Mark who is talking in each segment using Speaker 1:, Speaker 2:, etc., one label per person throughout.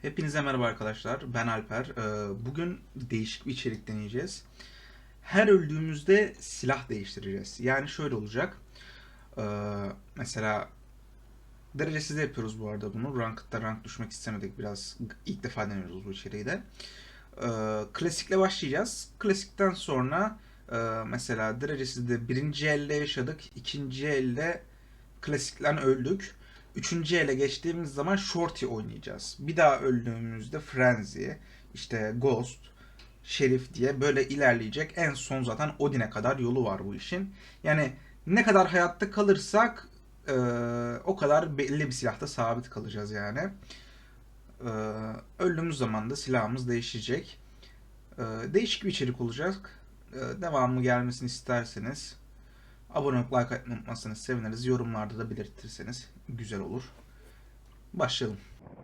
Speaker 1: Hepinize merhaba arkadaşlar. Ben Alper. Bugün değişik bir içerik deneyeceğiz. Her öldüğümüzde silah değiştireceğiz. Yani şöyle olacak. Mesela derecesiz yapıyoruz bu arada bunu. Ranked'da rank düşmek istemedik. Biraz ilk defa deniyoruz bu içeriği de. Klasikle başlayacağız. Klasikten sonra mesela derecesizde birinci elde yaşadık. İkinci elde klasikten öldük. Üçüncü ele geçtiğimiz zaman Shorty oynayacağız. Bir daha öldüğümüzde Frenzy, işte Ghost, Şerif diye böyle ilerleyecek. En son zaten Odin'e kadar yolu var bu işin. Yani ne kadar hayatta kalırsak o kadar belli bir silahta sabit kalacağız yani. Öldüğümüz zaman da silahımız değişecek. Değişik bir içerik olacak. Devamlı gelmesini isterseniz abone olup like atmayı unutmazsanız seviniriz. Yorumlarda da belirtirseniz güzel olur. Başlayalım.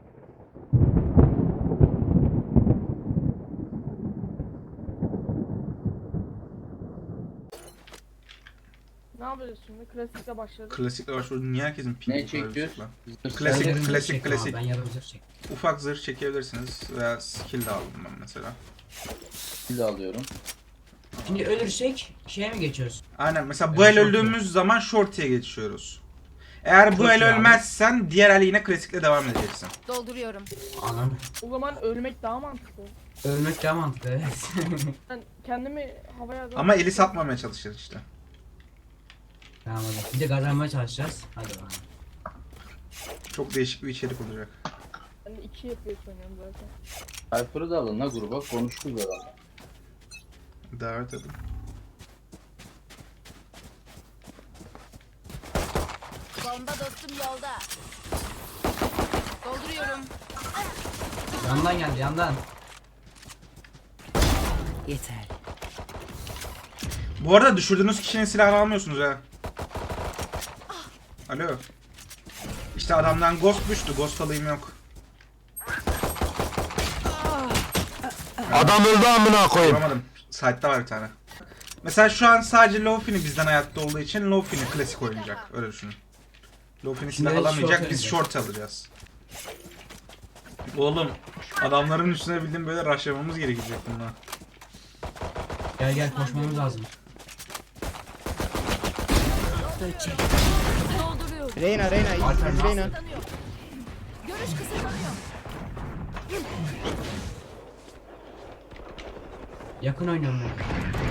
Speaker 2: Ne yapıyoruz şimdi? Klasikle başladık.
Speaker 1: Klasikle başlıyoruz. Niye herkesin
Speaker 3: Ne
Speaker 1: pingi
Speaker 3: çekiyoruz?
Speaker 1: Klasik.
Speaker 4: Ben yarım zırh çek.
Speaker 1: Ufak zırh çekebilirsiniz veya skill de aldım ben mesela.
Speaker 3: Bir de alıyorum.
Speaker 4: Şimdi ölürsek şeye mi geçiyoruz?
Speaker 1: Aynen mesela bu
Speaker 4: Evet,
Speaker 1: el
Speaker 4: shorty.
Speaker 1: öldüğümüz zaman shorty'ye geçiyoruz. Eğer bu
Speaker 4: Shorty
Speaker 1: el
Speaker 4: abi.
Speaker 1: ölmezsen diğer el yine klasikle devam edeceksin.
Speaker 5: Dolduruyorum.
Speaker 4: Anam.
Speaker 2: O zaman ölmek daha mantıklı.
Speaker 4: Ölmek daha mantıklı evet.
Speaker 2: Ben kendimi havaya
Speaker 1: Ama eli satmamaya çalışacağız işte.
Speaker 4: Tamam hadi. Bir de kazanmaya çalışacağız. Hadi bakalım.
Speaker 1: Çok değişik bir içerik olacak.
Speaker 2: Ben 2 FPS oynuyorum zaten.
Speaker 3: Alper'ı da alın la gruba, konuştuk herhalde.
Speaker 1: Davet edin.
Speaker 5: Bomba dostum yolda. Dolduruyorum.
Speaker 4: Yandan geldi yandan.
Speaker 5: Yeter.
Speaker 1: Bu arada düşürdüğünüz kişinin silahını almıyorsunuz ha. Alo. İşte adamdan ghost düştü. Ghost alayım yok.
Speaker 6: Adam öldü amına koyayım.
Speaker 1: Vuramadım. Side'da var bir tane. Mesela şu an sadece Lofini bizden hayatta olduğu için Lofini klasik oynayacak. Öyle düşünün. Lofini silah
Speaker 4: Şimdi
Speaker 1: alamayacak.
Speaker 4: short
Speaker 1: Biz short alacağız. Oğlum adamların üstüne bildiğin böyle rushlamamız gerekecek bunlar.
Speaker 4: Gel gel koşmamız lazım.
Speaker 5: Dolduruyorum.
Speaker 7: Reyna,
Speaker 4: Alper,
Speaker 7: iyisin Reyna.
Speaker 5: Görüş kısıtlanıyor.
Speaker 4: Yakın oynuyorum ben.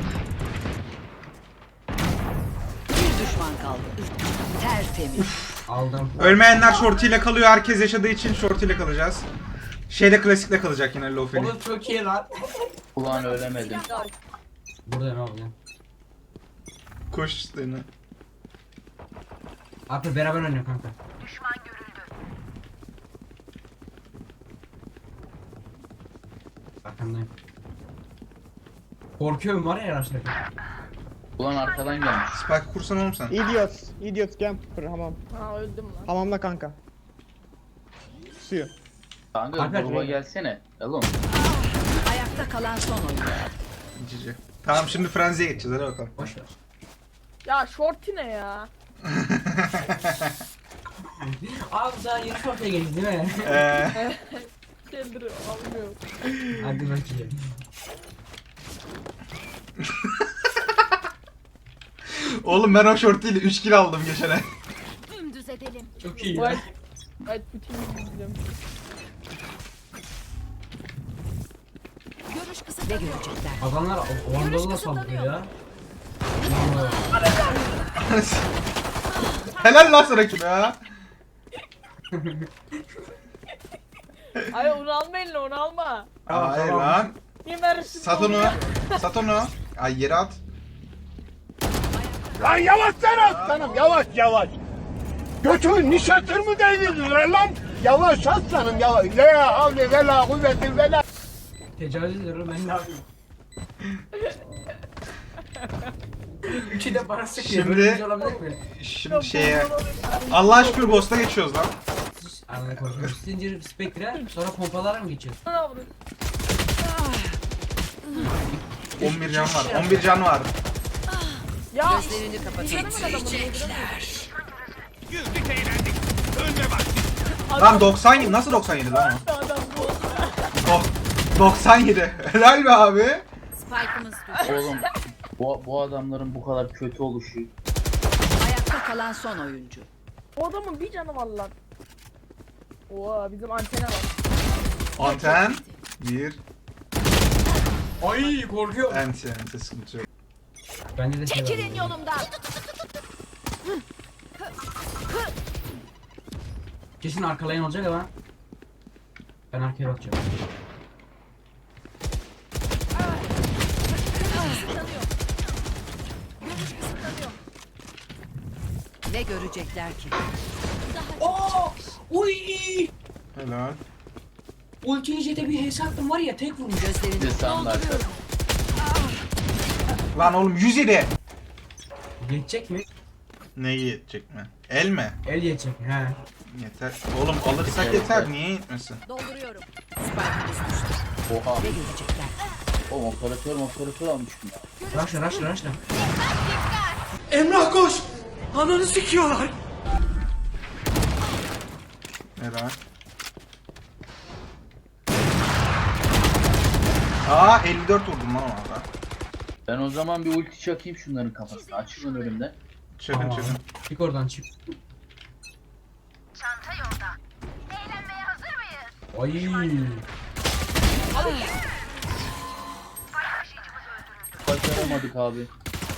Speaker 8: Bir düşman kaldı. Tertemiz.
Speaker 4: Aldım.
Speaker 1: Ölmeyenler short ile kalıyor. Herkes yaşadığı için short ile kalacağız. Şeyde klasikle kalacak yine Lofini.
Speaker 4: Oğlum çok iyi lan.
Speaker 3: Ulan ölemedim.
Speaker 4: Burada ne oluyor?
Speaker 1: Koş işte yine.
Speaker 4: Abi beraber oynuyor kanka. Arkamdayım. Korkuyorum var ya araçlarda.
Speaker 3: Ulan arkadan gelmiş.
Speaker 1: Spike kursan oğlum sen.
Speaker 7: Idiot camper hamam.
Speaker 2: Ha öldüm lan.
Speaker 7: Hamamda kanka. Suyu.
Speaker 3: Kanka
Speaker 4: Alper,
Speaker 3: gruba
Speaker 4: Reyna.
Speaker 3: gelsene. Oğlum.
Speaker 8: Ayakta kalan son oyuncu.
Speaker 1: Cici. Tamam şimdi Frenzy'ye geçeceğiz. Hadi bakalım.
Speaker 4: Boş ver.
Speaker 2: Ya shorty ne ya?
Speaker 4: Abi daha yeni ortaya geldik değil mi?
Speaker 2: Kendini almıyor.
Speaker 4: Hadi bakayım.
Speaker 1: Oğlum ben o short ile 3 kill aldım geçene.
Speaker 5: Dümdüz edelim.
Speaker 4: Çok iyi ya.
Speaker 2: White bütün izliyorum.
Speaker 5: Görüş
Speaker 8: Ne
Speaker 5: kısıtlanıyor.
Speaker 8: görecekler?
Speaker 4: Adamlar o Anadolu'da saldırıyor ya.
Speaker 1: Helal lan sana kime ya.
Speaker 2: Ay onu alma eline onu alma.
Speaker 1: Hayır
Speaker 4: tamam.
Speaker 1: lan.
Speaker 2: Niye verirsin?
Speaker 1: Sat onu. Sat onu. Ay yere at.
Speaker 6: Lan yavaş sen aslanım yavaş. Götümün nişatır değdirdin lan? Yavaş aslanım yavaş. La havle ve la kuvveti ve la.
Speaker 4: Tecavüz ediyorum ben ne yapayım? Üçü de bana sıkıyor.
Speaker 1: Şimdi-
Speaker 4: Böyle bir şey olabilir mi?
Speaker 1: Şimdi şeye. Allah'a şükür Ghost'a geçiyoruz lan.
Speaker 4: Anladım korkuyorum. Zincir Spectre sonra pompalara mı geçiyoruz?
Speaker 2: Ne yapıyorsun?
Speaker 1: 11 can var. 11 can var.
Speaker 2: Ya
Speaker 8: Gözlerini kapatın.
Speaker 1: Lan 97 nasıl 97 lan o?
Speaker 2: adam bu.
Speaker 1: 97. Helal be abi.
Speaker 5: Spike'ımız düştü.
Speaker 3: Oğlum bu adamların bu kadar kötü oluşu.
Speaker 8: Ayakta kalan son oyuncu.
Speaker 2: O adamın bir canı var lan. Oha bizim antene var.
Speaker 1: Anten. Bir.
Speaker 4: Ay korkuyorum.
Speaker 1: Ente sıkıntı yok.
Speaker 4: Bende de şey var.
Speaker 5: Çekilin yolumdan.
Speaker 4: Kesin arkalayan olacak ama. Ben arkaya bakacağım.
Speaker 8: Ne görecekler ki?
Speaker 4: Oo! Uy!
Speaker 1: Helal.
Speaker 4: Ulti jete bir hesaptım var ya tek vurmuş.
Speaker 3: Bir de
Speaker 8: Gözlerini
Speaker 3: sağında arkada.
Speaker 1: Lan oğlum 107.
Speaker 4: Geçecek mi?
Speaker 1: Neyi yetecek mi? El mi?
Speaker 4: El geçecek. He.
Speaker 1: Yeter. Oğlum alırsak yeter. Niye yetmesin?
Speaker 5: Dolduruyorum.
Speaker 8: spike'ımız düştü.
Speaker 3: Oha.
Speaker 8: Ne görecekler?
Speaker 3: Oğlum operatör almışım ya.
Speaker 4: Raşla.
Speaker 1: Helal. Aa 54 vurdum lan orada.
Speaker 3: Ben o zaman bir ulti çakayım şunların kafasına. Açılın önümde.
Speaker 1: Çakın
Speaker 4: Tamam.
Speaker 1: çakın.
Speaker 4: Çık oradan çık. Ay.
Speaker 3: Başaramadık abi.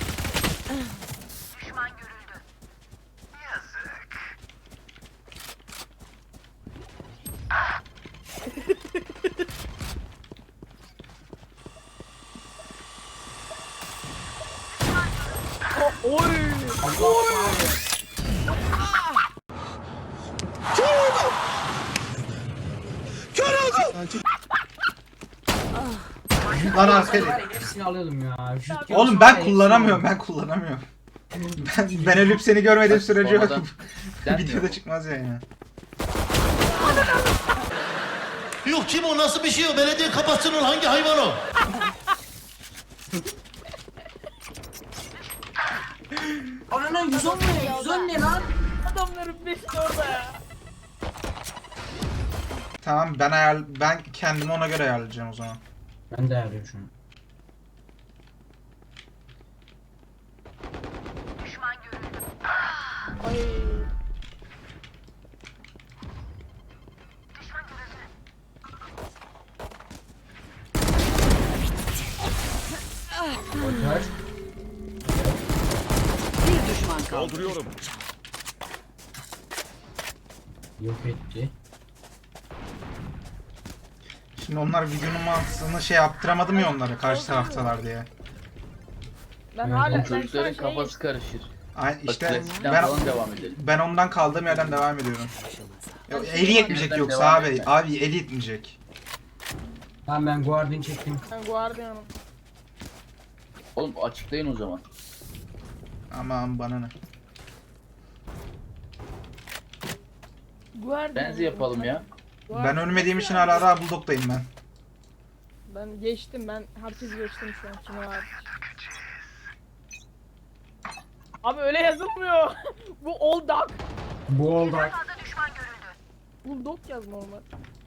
Speaker 1: Lan arkaya.
Speaker 4: Hepsini alıyordum ya.
Speaker 1: Oğlum ben kullanamıyorum. Ben ölüp seni görmediğim
Speaker 3: Bak,
Speaker 1: sürece yok.
Speaker 3: sonradan denmiyor
Speaker 1: Videoda
Speaker 3: bu.
Speaker 1: çıkmaz yani.
Speaker 9: Yok kim o nasıl bir şey o? Belediye kapatsın onu hangi hayvan o?
Speaker 4: Anana 110 ne? 110 ne lan?
Speaker 2: Adamların beşi orada ya.
Speaker 1: Tamam ben kendimi ona göre ayarlayacağım o zaman.
Speaker 4: Ben de arıyorum şu an.
Speaker 2: Ay.
Speaker 4: Oper.
Speaker 8: Bir düşman kaldı.
Speaker 4: Yok etti.
Speaker 1: Şimdi onlar videonun mantığını şey yaptıramadım ya onlara karşı taraftalar diye.
Speaker 2: Ben
Speaker 4: Evet,
Speaker 2: hala
Speaker 4: oğlum,
Speaker 2: ben şu an
Speaker 3: Çocukların kafası
Speaker 2: şey
Speaker 3: karışır.
Speaker 1: Ay
Speaker 3: Bak
Speaker 1: işte
Speaker 3: klasikten
Speaker 1: ben
Speaker 3: falan devam edelim.
Speaker 1: ben ondan kaldığım yerden devam ediyorum. Ya, eli yetmeyecek
Speaker 3: Yerden
Speaker 1: yoksa
Speaker 3: devam
Speaker 1: abi.
Speaker 3: etme.
Speaker 1: Abi eli yetmeyecek.
Speaker 4: Tamam ben Guardian çektim.
Speaker 2: ben Guardian'ım.
Speaker 3: Oğlum açıklayın o zaman.
Speaker 1: Aman bana ne.
Speaker 2: Guardian.
Speaker 3: Benzi yapalım ya.
Speaker 1: Ben ölmediğim için hala daha Bulldog'dayım ben.
Speaker 2: Ben geçtim ben herkes geçtim şu an kime var. Abi öyle yazılmıyor. Bu old dog.
Speaker 4: Bu oldu.
Speaker 2: Bulldog yaz normal.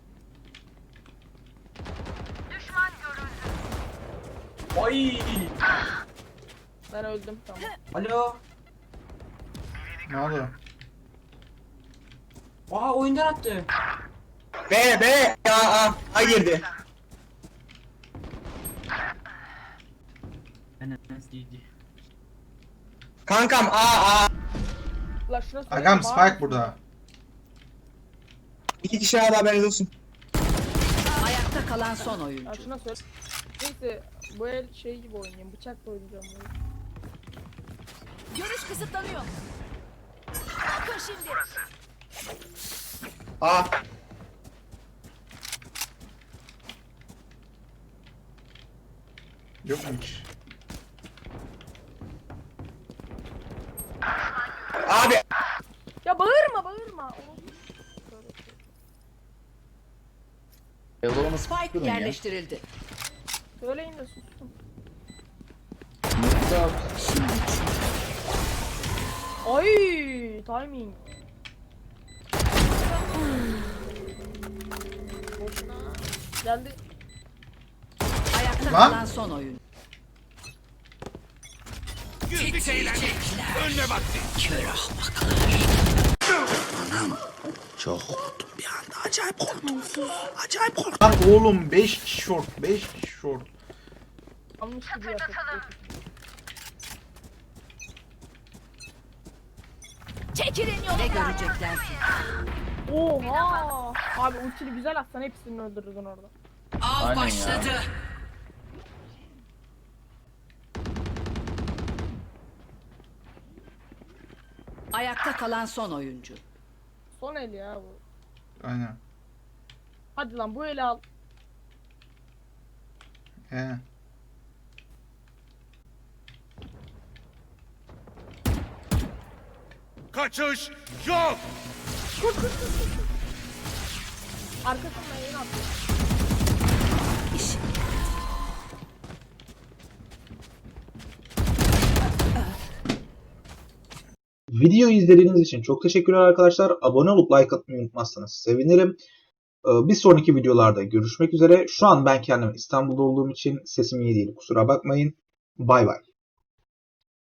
Speaker 4: Ay.
Speaker 2: Ben öldüm tamam.
Speaker 4: Alo.
Speaker 1: Ne oldu?
Speaker 4: Aa oyundan attı.
Speaker 7: A girdi. Kankam A.
Speaker 2: La şuna söyle.
Speaker 1: Agam Spike burada.
Speaker 7: 2 kişi A haberiniz olsun.
Speaker 8: Ayakta kalan son
Speaker 2: Ya
Speaker 8: oyuncu.
Speaker 2: şuna söyle. Neyse bu el şey gibi oynayayım bıçakla oynayacağım böyle.
Speaker 5: Görüş kısıtlanıyor. Bakın şimdi.
Speaker 7: A.
Speaker 1: Yok mu hiç?
Speaker 7: Abi.
Speaker 2: Ya bağırma.
Speaker 3: Yalovan'ı
Speaker 8: Spike
Speaker 3: durun ya.
Speaker 8: yerleştirildi.
Speaker 2: Söyleyin de sustum.
Speaker 3: Nokta at.
Speaker 2: Ay timing. Boşuna. Geldi.
Speaker 1: Lan.
Speaker 8: kalan son oyun.
Speaker 1: Lan oğlum 5 kişi short. 5 kişi short.
Speaker 2: Almış gibi yapıyor.
Speaker 5: Çekilin
Speaker 8: Ne
Speaker 5: yolumdan.
Speaker 8: görecekler ki?
Speaker 2: Oha! Abi ultini güzel atsan hepsini öldürürdün orada.
Speaker 8: Av
Speaker 3: Aynen ya.
Speaker 8: başladı. Ayakta kalan son oyuncu.
Speaker 2: Son el ya bu.
Speaker 1: Aynen.
Speaker 2: Hadi lan bu eli al.
Speaker 1: He.
Speaker 6: Kaçış yok.
Speaker 2: Arkasından yayın atıyor.
Speaker 10: Videoyu izlediğiniz için çok teşekkürler arkadaşlar. Abone olup like atmayı unutmazsanız sevinirim. Bir sonraki videolarda görüşmek üzere. Şu an ben kendim İstanbul'da olduğum için sesim iyi değil. Kusura bakmayın. Bay bay.